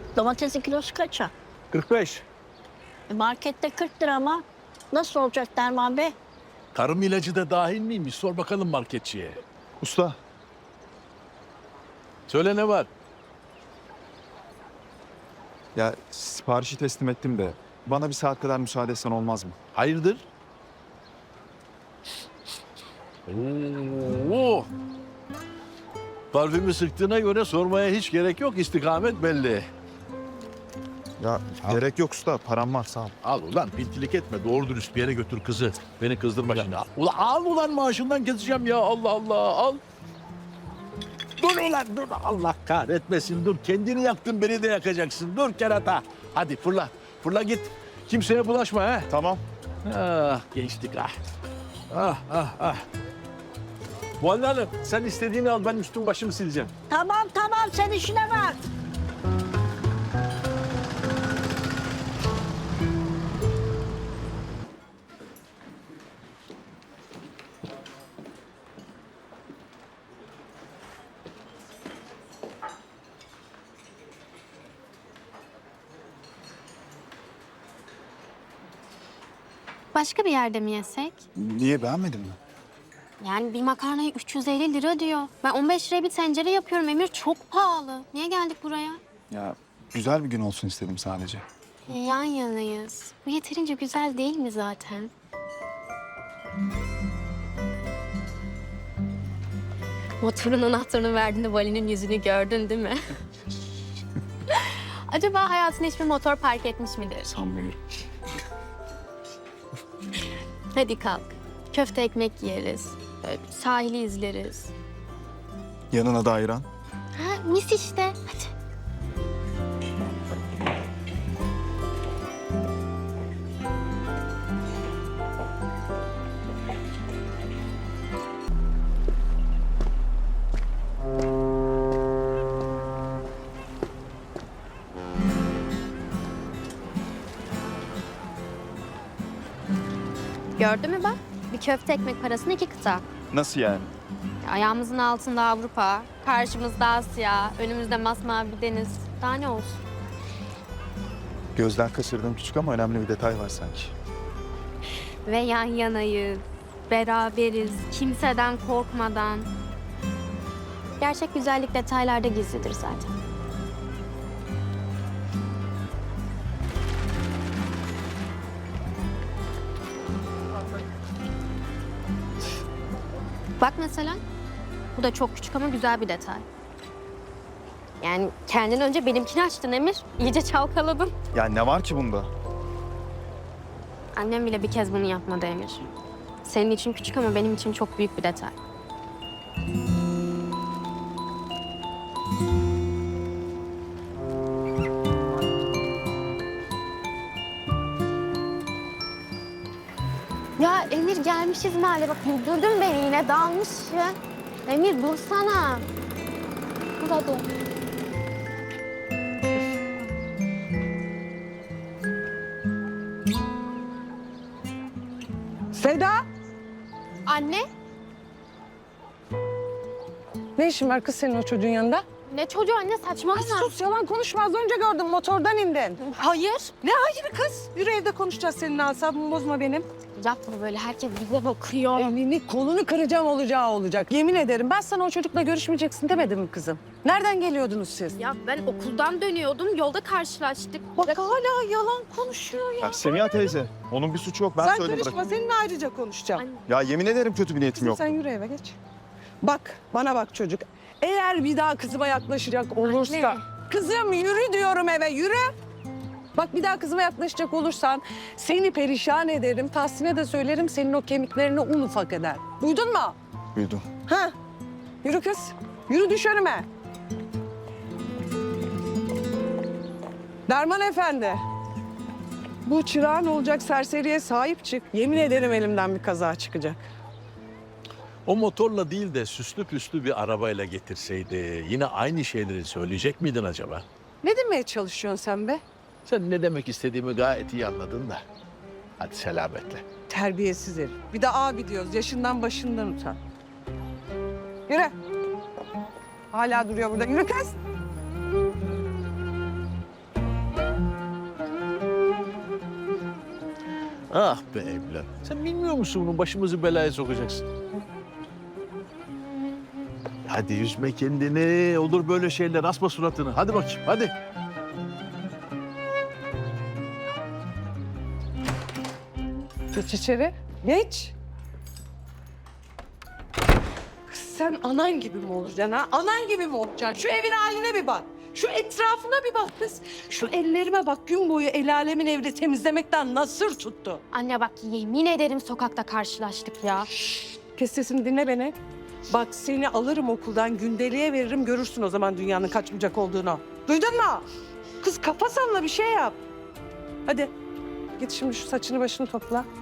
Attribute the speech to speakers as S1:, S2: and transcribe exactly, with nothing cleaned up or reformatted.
S1: Domatesin kilosu kaça?
S2: kırk beş.
S1: E, markette kırk lira ama. Nasıl olacak Derman Bey?
S2: Tarım ilacı da dahil miymiş? Sor bakalım marketçiye.
S3: Usta,
S2: Söyle ne var?
S3: ya siparişi teslim ettim de bana bir saat kadar müsaade etsen olmaz mı?
S2: Hayırdır? Oo. Parfümü sıktığına göre sormaya hiç gerek yok. İstikamet belli.
S3: Ya
S2: Al.
S3: gerek yok usta, param var sağ ol.
S2: Al ulan pintilik etme. Doğru dürüst bir yere götür kızı. Beni kızdırma şimdi. Al ulan, al ulan maaşından keseceğim ya. Allah Allah al. Dur ulan dur. Allah kahretmesin dur. Kendini yaktın beni de yakacaksın. Dur kerata. Hadi fırla. Fırla git. Kimseye bulaşma ha.
S3: Tamam.
S2: Ah gençlik ah. Ah ah ah. Muhalle Hanım sen istediğini al ben üstüm başımı sileceğim.
S1: Tamam tamam sen işine bak.
S4: Başka bir yerde mi yesek?
S3: Niye, beğenmedin mi?
S4: Yani bir makarnayı üç yüz elli lira diyor. Ben on beş liraya bir tencere yapıyorum Emir. Çok pahalı. Niye geldik buraya?
S3: Ya güzel bir gün olsun istedim sadece.
S4: Yan yanayız. Bu yeterince güzel değil mi zaten? Motorun anahtarını verdiğinde Vali'nin yüzünü gördün değil mi? Acaba hayatında hiçbir motor park etmiş midir?
S3: Sanmıyorum.
S4: Hadi kalk. Köfte ekmek yeriz. Böyle sahili izleriz.
S3: Yanına da ayran.
S4: Ha, mis işte. Hadi. Gördün mü bak? Bir köfte ekmek parasına iki kıta.
S3: Nasıl yani?
S4: Ayağımızın altında Avrupa, karşımızda Asya, önümüzde masmavi bir deniz. Daha ne olsun?
S3: Gözden kaçırdığım küçük ama önemli bir detay var sanki.
S4: Ve yan yanayız, beraberiz, kimseden korkmadan. Gerçek güzellik detaylarda gizlidir zaten. Bak mesela, bu da çok küçük ama güzel bir detay. Yani kendin önce benimkini açtın Emir, iyice çalkaladın.
S3: Ya ne var ki bunda?
S4: Annem bile bir kez bunu yapmadı Emir. Senin için küçük ama benim için çok büyük bir detay. Ya Emir gelmişiz mahalle. Bak güldürdün beni yine dalmışsın. Emir dursana. Dur hadi.
S5: Seda,
S4: Anne,
S5: ne işin var kız senin o çocuğun yanında?
S4: ne çocuğu anne saçmalama.
S5: Sus, yalan konuşma. Az önce gördüm, motordan indin.
S4: Hayır.
S5: Ne hayır kız? Yürü evde konuşacağız seninle, asabımı bozma benim.
S4: Yapma böyle, herkes bize bakıyor.
S5: Elini kolunu kıracağım, olacağı olacak. Yemin ederim ben sana o çocukla görüşmeyeceksin demedim mi kızım? Nereden geliyordunuz siz?
S4: Ya ben okuldan dönüyordum, yolda karşılaştık.
S5: Bak hala yalan konuşuyor ya.
S3: Ya Semiha teyze, onun bir suçu yok. Ben
S5: Sen
S3: söyledim
S5: karışma,
S3: bırak.
S5: seninle ayrıca konuşacağım.
S4: Anne.
S3: Ya yemin ederim kötü bir niyetim
S5: Kızım
S3: yok.
S5: sen yürü eve geç. Bak, bana bak çocuk. Eğer bir daha kızıma yaklaşacak olursa...
S4: Anne.
S5: Kızım yürü diyorum eve, yürü. Bak bir daha kızıma yaklaşacak olursan seni perişan ederim. Tahsin'e de söylerim, senin o kemiklerini un ufak eder. Duydun mu?
S3: Duydum.
S5: Ha? Yürü kız, yürü düş önüme. Derman Efendi. Bu çırağın olacak serseriye sahip çık. Yemin ederim elimden bir kaza çıkacak.
S2: O motorla değil de süslü püslü bir arabayla getirseydi yine aynı şeyleri söyleyecek miydin acaba?
S5: Ne demeye çalışıyorsun sen be?
S2: Sen ne demek istediğimi gayet iyi anladın da. Hadi selametle.
S5: Terbiyesiz herif. Bir de abi diyoruz. Yaşından başından utan. Yürü. Hala duruyor burada. Yürü kız.
S2: Ah be evlat. Sen bilmiyor musun bunu başımızı belaya sokacaksın. Hadi üzme kendini. Olur böyle şeyler. Asma suratını. Hadi bakayım hadi.
S5: Geç içeri. Geç. Kız sen anan gibi mi olacaksın ha? Anan gibi mi olacaksın? Şu evin haline bir bak. Şu etrafına bir bak kız. Şu ellerime bak, gün boyu el alemin evde temizlemekten nasır tuttu.
S4: Anne bak yemin ederim sokakta karşılaştık ya.
S5: Kes sesini, dinle beni. Bak seni alırım okuldan, gündeliğe veririm, görürsün o zaman dünyanın kaç bucak olduğunu. Duydun mu? Kız kafa salla, bir şey yap. Hadi git şimdi şu saçını başını topla.